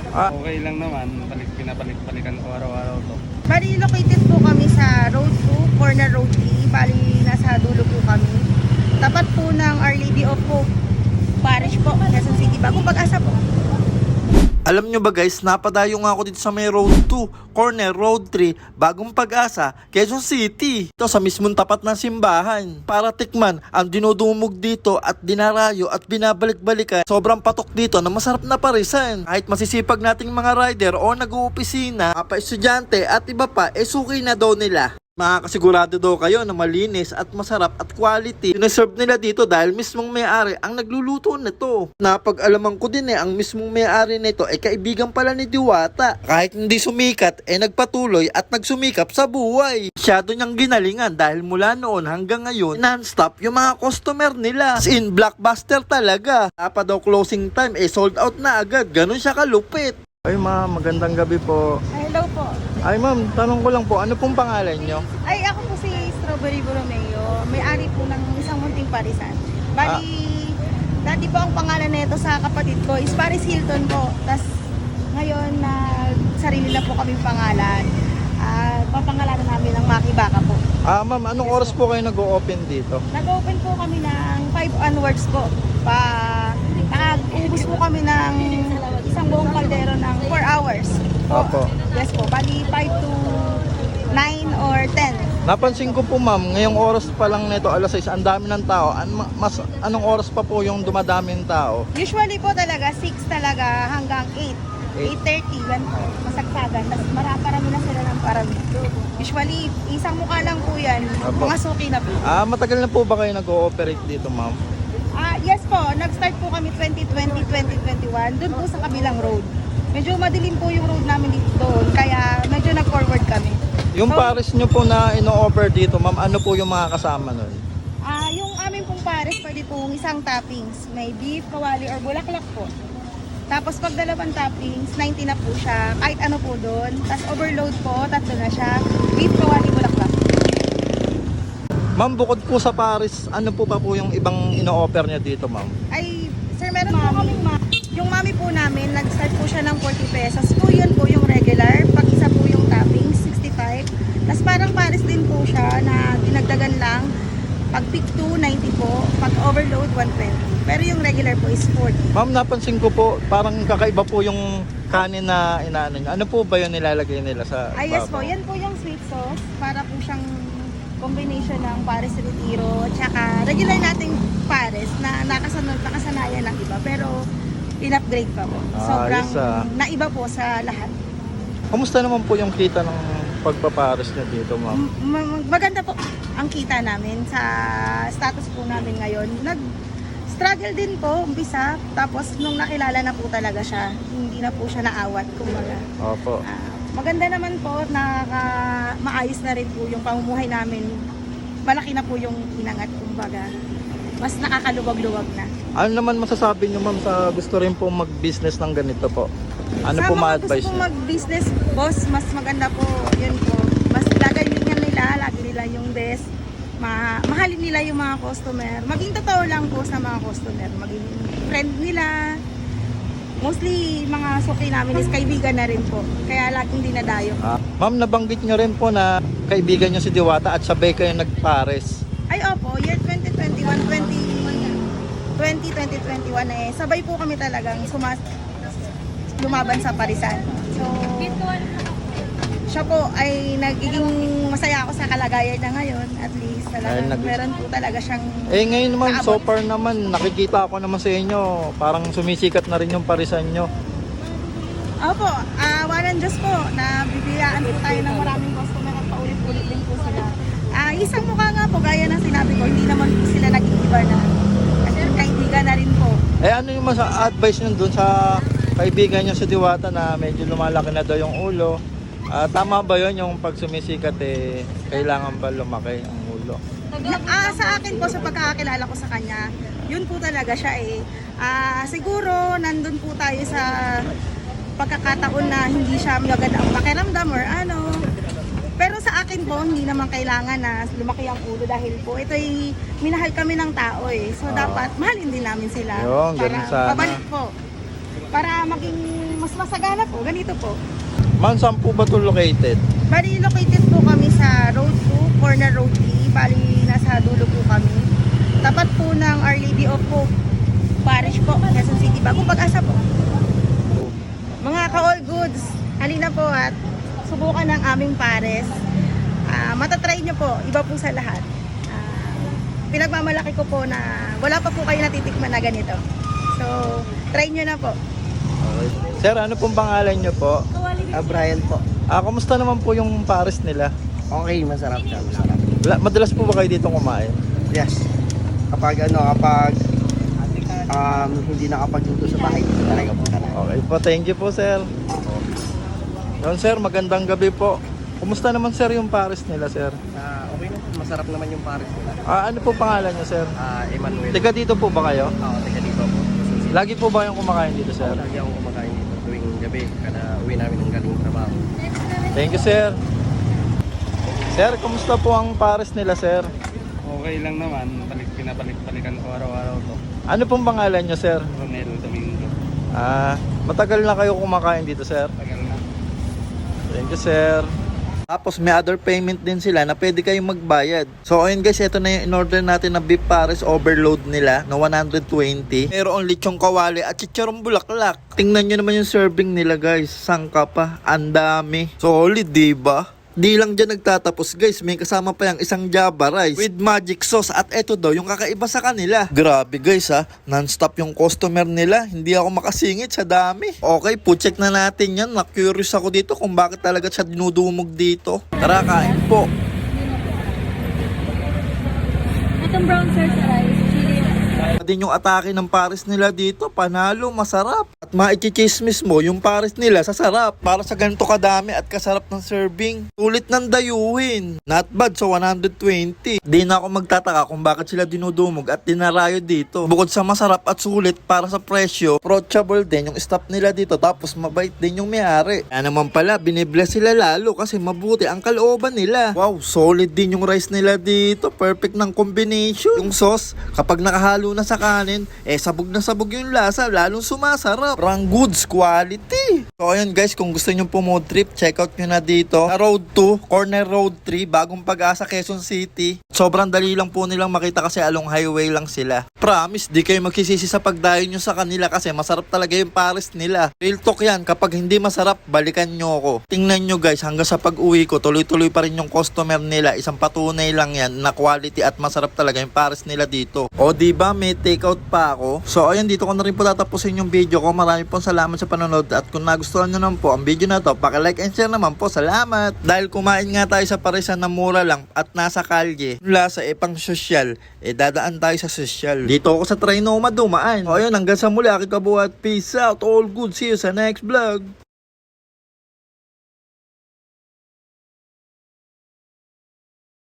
Okay lang naman, pinabalik-balikan ko araw-araw to. Bali, located po kami sa Road 2, Corner Road 3. Bali, nasa dulo po kami. Tapat po ng Our Lady of Hope Parish po, Quezon City, Bagong Pag-asa po. Alam nyo ba guys, napadayo nga ako dito sa may Road 2, Corner Road 3, Bagong Pag-asa, Quezon City. Ito sa mismong tapat ng simbahan. Para tikman ang dinudumog dito at dinarayo at binabalik-balikan. Sobrang patok dito na masarap na parisan. Kahit masisipag nating mga rider o nag-uupisina, estudyante at iba pa, suki na daw nila. Makakasigurado daw kayo na malinis at masarap at quality. Sineserve nila dito dahil mismong may-ari ang nagluluto nito. Napag-alaman ko din ang mismong may-ari nito kaibigan pala ni Diwata. Kahit hindi sumikat, nagpatuloy at nagsumikap sa buhay. Masyado niyang ginalingan dahil mula noon hanggang ngayon, non-stop yung mga customer nila. As in, blockbuster talaga. Dapat daw closing time, sold out na agad. Ganun siya kalupit. Ay ma'am, magandang gabi po. Hello po. Ay ma'am, tanong ko lang po, ano pong pangalan nyo? Ay, ako po si Strawberry Borromeo. May-ari po ng isang munting parisan. Bali, dati po ang pangalan nito sa kapatid ko is Paris Hilton po. Tapos ngayon, sarili na po kaming pangalan. Papangalanan namin ng Maki Baka po. Ma'am, anong oras po kayo nag-o-open dito? Nag-open po kami ng 5 onwards po. Nag-ubos po kami ng isang buong kaldero ng 4 hours. Opo. Yes po, bali 5 to 9 or 10. Napansin ko po ma'am, ngayong oras pa lang nito, alas 6, ang dami ng tao. Anong oras pa po yung dumadaming tao? Usually po talaga 6 talaga hanggang 8. 8:30 yan po, masagsagan. Tapos marami na sila ng parami. Usually, isang mukha lang po yan. Opo. Mga suki na po. Matagal na po ba kayo nag-ooperate dito ma'am? Yes po, nag-start po kami 2020-2021 doon po sa kabilang road. Medyo madilim po yung road namin dito doon, kaya medyo nag-forward kami. Yung pares nyo po na ino-offer dito ma'am, ano po yung mga kasama nun? Yung aming pong pares, pwede pong isang toppings. May beef, kawali, or bulaklak po. Tapos pag dalawang toppings, 90 na po siya. Kahit ano po doon. Tapos overload po, 3 na siya. Beef, kawali, bulaklak. Ma'am, bukod po sa pares, ano po pa po yung ibang ino-offer niya dito ma'am? Ay, sir, meron po kaming yung mami po namin, nag-start po siya ng 40 pesos. Po yun po yung regular. Pag isa po yung toppings, 65. Tapos parang pares din po siya na dinagdagan lang. Pag pick 2, 90 po. Pag overload, 120. Pero yung regular po is 40. Ma'am, napansin ko po, parang kakaiba po yung kanin na inaano niya. Ano po ba yung nilalagay nila sa Yes babaw? po, yan po yung sweet sauce. Para po siyang combination ng pares retiro tsaka regular nating pares na nakasanayan ng iba. Pero in-upgrade pa po. Sobrang naiba po sa lahat. Kumusta naman po yung kita ng pagpapares niya dito ma'am? Maganda po ang kita namin sa status po namin ngayon. Nag-struggle din po, umpisa. Tapos nung nakilala na po talaga siya, hindi na po siya naawat, kumbaga. Opo. Maganda naman po, maayos na rin po yung pamumuhay namin. Malaki na po yung inangat, kumbaga. Mas nakakaluwag-luwag na. Ano naman masasabi niyo ma'am sa gusto rin po mag-business ng ganito po? Ano po ma-advise Sa mga gusto niyo? po mag-business, boss, mas maganda po, yun po. Mas lagayin nila, lagi nila yung best. Mahalin nila yung mga customer. Maging totoo lang po sa mga customer. Maging friend nila. Mostly, mga suki namin is kaibigan na rin po. Kaya laging dinadayo. Ma'am, nabanggit niyo rin po na kaibigan niyo si Diwata at sabay kayo nagpares. Ay, opo, year 2021, sabay po kami talagang lumaban sa parisan. So, siya po ay nagiging masaya ako sa kalagayan na ngayon. At least talagang meron po talaga siyang Ngayon naman, naabot. so far naman, nakikita ako naman sa inyo, parang sumisikat na rin yung parisan nyo. Opo, walang Diyos po na bibiyaan po tayo ng maraming customer at paulit-ulit din po sila. Isang mukha nga po, gaya ng sinabi ko, hindi naman po sila nag-iiba na. Kasi kaibigan na rin po. Ano yung advice nyo dun sa kaibigan nyo si Diwata na medyo lumalaki na daw yung ulo? Tama ba yun yung pag sumisikat kailangan ba lumaki ang ulo? Sa akin po, sa pagkakakilala ko sa kanya, yun po talaga siya siguro nandun po tayo sa pagkakataon na hindi siya maganda ang pakiramdam or ano. Pero sa akin po, hindi naman kailangan na lumaki ang ulo dahil po ito'y minahal kami ng tao So dapat mahalin din namin sila Yun, para ganun sana. pabalik po. Para maging mas masagana po, ganito po. Ma'am, saan po ba ito located? Bali, located po kami sa Road 2, Corner Road 3. Bali, nasa dulo po kami. Tapat po ng Our Lady of Hope Parish po, Quezon City. Bagong Pag-asa po. Mga ka-all goods, halina po at subukan ng aming pares. Matatry nyo po, iba po sa lahat. Pinagmamalaki ko po na wala pa po kayo natitikman na ganito. So, try nyo na po. Okay. Sir, ano pong pangalan niyo po? Brian po. Kamusta naman po yung pares nila? Okay, masarap siya, masarap. Madalas po ba kayo dito kumain? Yes. Kapag hindi nakapagluto sa bahay, dito talaga po talaga. Okay po, thank you po sir. Yun sir, magandang gabi po. Kumusta naman sir yung pares nila sir? Okay na po, masarap naman yung pares nila. Ano po pangalan niyo sir? Emmanuel. Tiga dito po ba kayo? Oo, taga dito po. Lagi po ba yung kumakain dito sir? Lagi akong kumakain dito tuwing gabi kada uwi namin ng galing trabaho. Thank you sir. Sir, kumusta po ang pares nila sir? Okay lang naman, pinabalik-balikan ko araw-araw to. Ano pong pangalan niyo sir? Ronel Domingo. Matagal na kayo kumakain dito sir? Tagal na. Thank you sir. Tapos may other payment din sila na pwede kayong magbayad. So ayun guys, ito na yung in-order natin na beef pares overload nila na 120. Meron lechong kawali at chicharong bulaklak. Tingnan nyo naman yung serving nila guys. Sangka pa. Ang dami. Solid, diba? Di lang dyan nagtatapos guys, may kasama pa yung isang Java rice with magic sauce at eto daw yung kakaiba sa kanila. Grabe guys non-stop yung customer nila, hindi ako makasingit sa dami. Okay, check na natin yan, na-curious ako dito kung bakit talaga siya dinudumog dito. Tara, kain po. Itong brown sir sa rice, chili. Din yung atake ng pares nila dito, panalo, masarap. At maichichismis mo, yung pares nila sasarap. Para sa ganito kadami at kasarap ng serving. Sulit ng dayuhin. Not bad sa 120. Di na ako magtataka kung bakit sila dinudumog at dinarayo dito. Bukod sa masarap at sulit para sa presyo, approachable din yung staff nila dito. Tapos mabait din yung may-ari. Kaya naman pala, binibless sila lalo kasi mabuti ang kalooban nila. Wow, solid din yung rice nila dito. Perfect ng combination. Yung sauce, kapag nakahalo na sa kanin, sabog na sabog yung lasa, lalong sumasarap. Parang goods quality. So ayun guys, kung gusto nyo po road trip, check out nyo na dito sa Road 2, Corner Road 3, Bagong Pag-asa, Quezon City. Sobrang dali lang po nilang makita kasi along highway lang sila. Promise, di kayo magsisisi sa pagdayo nyo sa kanila kasi masarap talaga yung pares nila. Real talk yan, kapag hindi masarap, balikan nyo ako. Tingnan nyo guys, hanggang sa pag-uwi ko, tuloy-tuloy pa rin yung customer nila. Isang patunay lang yan na quality at masarap talaga yung pares nila dito. O diba, may take out pa ako. So ayun, dito ko na rin po tatapusin yung video ko. Marami pong salamat sa panonood at kung nagustuhan nyo naman po ang video na to, paki-like and share naman po. Salamat! Dahil kumain nga tayo sa parisan na mura lang at nasa kalye, lasa pang sosyal, dadaan tayo sa sosyal. Dito ako sa Trinoma dumaan. O ayun, hanggang sa muli, aking kabuhat. Peace out, all good. See you sa next vlog.